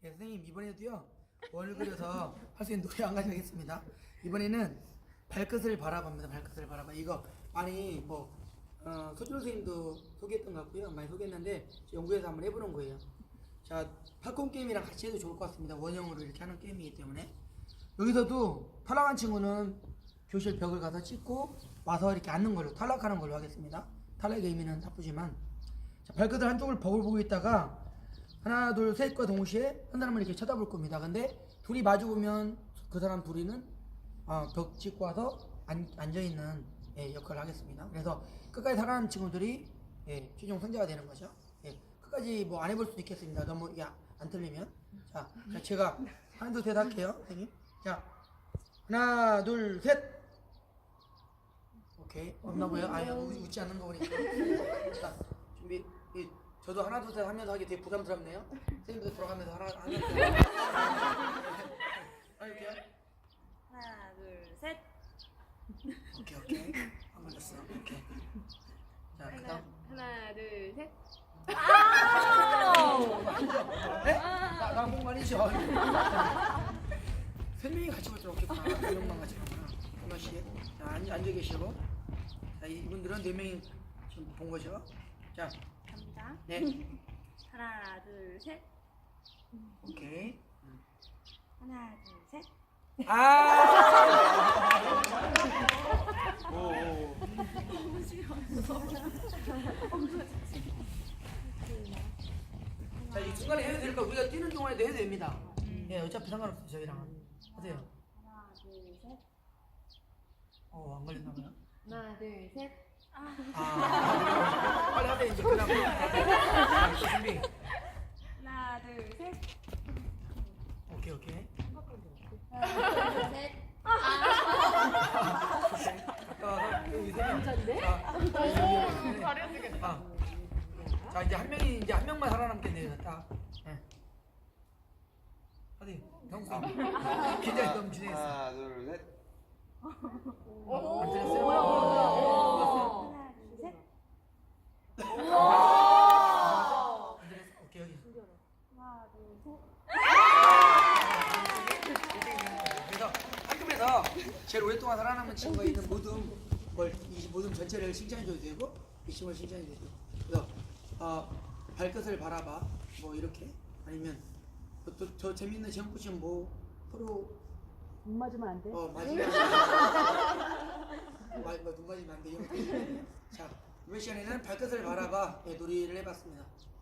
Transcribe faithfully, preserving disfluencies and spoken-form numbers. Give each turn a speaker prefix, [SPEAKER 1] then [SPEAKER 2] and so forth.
[SPEAKER 1] 네, 선생님 이번에도요 원을 그려서 할 수 있는 노래 한 가지 하겠습니다. 이번에는 발끝을 바라봅니다. 발끝을 바라봐. 이거 많이 뭐 어, 소준 선생님도 소개했던 것 같고요. 많이 소개했는데 연구해서 한번 해보는 거예요. 자, 팝콘 게임이랑 같이 해도 좋을 것 같습니다. 원형으로 이렇게 하는 게임이기 때문에 여기서도 탈락한 친구는 교실 벽을 가서 찍고 와서 이렇게 앉는 걸로 탈락하는 걸로 하겠습니다. 탈락의 의미는 나쁘지만 자, 발끝을 한쪽을 벽을 보고 있다가 하나 둘 셋과 동시에 한 사람을 이렇게 쳐다볼 겁니다. 근데 둘이 마주 보면 그 사람 둘이는 어, 벽 찍고 와서 앉, 앉아있는 예, 역할을 하겠습니다. 그래서 끝까지 살아남은 친구들이 예, 최종 승자가 되는 거죠. 예, 끝까지 뭐 안 해볼 수도 있겠습니다. 너무 이게 안 틀리면. 자, 자 제가 하나 둘 셋 할게요, 선생님. 자, 하나 둘 셋. 오케이. 없나 보여? 아니 웃지 않는 거 보니까. 자, 준비. 이, 저도 하나 둘 셋 하면서 하기 되게 부담스럽네요. 선생님도 돌아가면서 하나 하나 둘 셋. 할게요.
[SPEAKER 2] 하나, 둘, 셋.
[SPEAKER 1] 오케이 오케이. 안 걸렸어. 오케이. 자, 그다음.
[SPEAKER 2] 하나, 둘, 셋.
[SPEAKER 1] 네? 나, 나 공간이죠. 세 명이 같이 볼 줄 없겠구나. 두 명만 같이 가구나. 하나씩. 자, 앉아, 앉아 계시고. 자, 이분들은 네 명이 지금 본 거죠. 자,
[SPEAKER 2] 갑니다.
[SPEAKER 1] 네.
[SPEAKER 2] 하나, 둘, 셋.
[SPEAKER 1] 오케이.
[SPEAKER 2] 하나, 둘, 셋.
[SPEAKER 1] 아! 오, 오. 자, 이 중간에 해도 되니까 우리가 뛰는 동안에도 해도 됩니다. 예, 어차피 상관없어요, 저희랑. 하세요.
[SPEAKER 2] 하나, 둘, 셋.
[SPEAKER 1] 어, 안 걸렸나 봐요.
[SPEAKER 2] 하나, 둘, 셋.
[SPEAKER 1] 아, 빨리 하세요, 이제. 그 다음. 자, 또 준비.
[SPEAKER 2] 하나, 둘, 셋.
[SPEAKER 1] 오케이, 오케이.
[SPEAKER 2] 하나, 둘, 셋.
[SPEAKER 1] 아까 여기 세 명. 오, 잘해주겠다. 자, 이제 한 명이, 이제 한 명만 살아남겠네요, 딱. 예. 하세요. 형수. 긴장이 너무 진행했어.
[SPEAKER 3] 하나, 둘, 셋.
[SPEAKER 1] 안 들렸어요?
[SPEAKER 2] 하나, 둘, 셋.
[SPEAKER 1] 안 들렸어? 오케이, 여기.
[SPEAKER 2] 하나, 둘, 셋.
[SPEAKER 1] 그래서 학급에서 제일 오랫동안 살아남은 친구가 있는 모든 걸, 이 모든 전체를 칭찬해줘도 되고 이 친구를 칭찬해줘도 되고 그래서 어, 발끝을 바라봐 뭐 이렇게 아니면 또, 또, 저 재밌는 시험 붙이면 뭐 프로
[SPEAKER 4] 눈 맞으면 안 돼?
[SPEAKER 1] 어 맞으면 마, 뭐, 눈 맞으면 안 돼. 이런 거. 자 이번 시간에는 발끝을 바라봐 예, 놀이를 해봤습니다.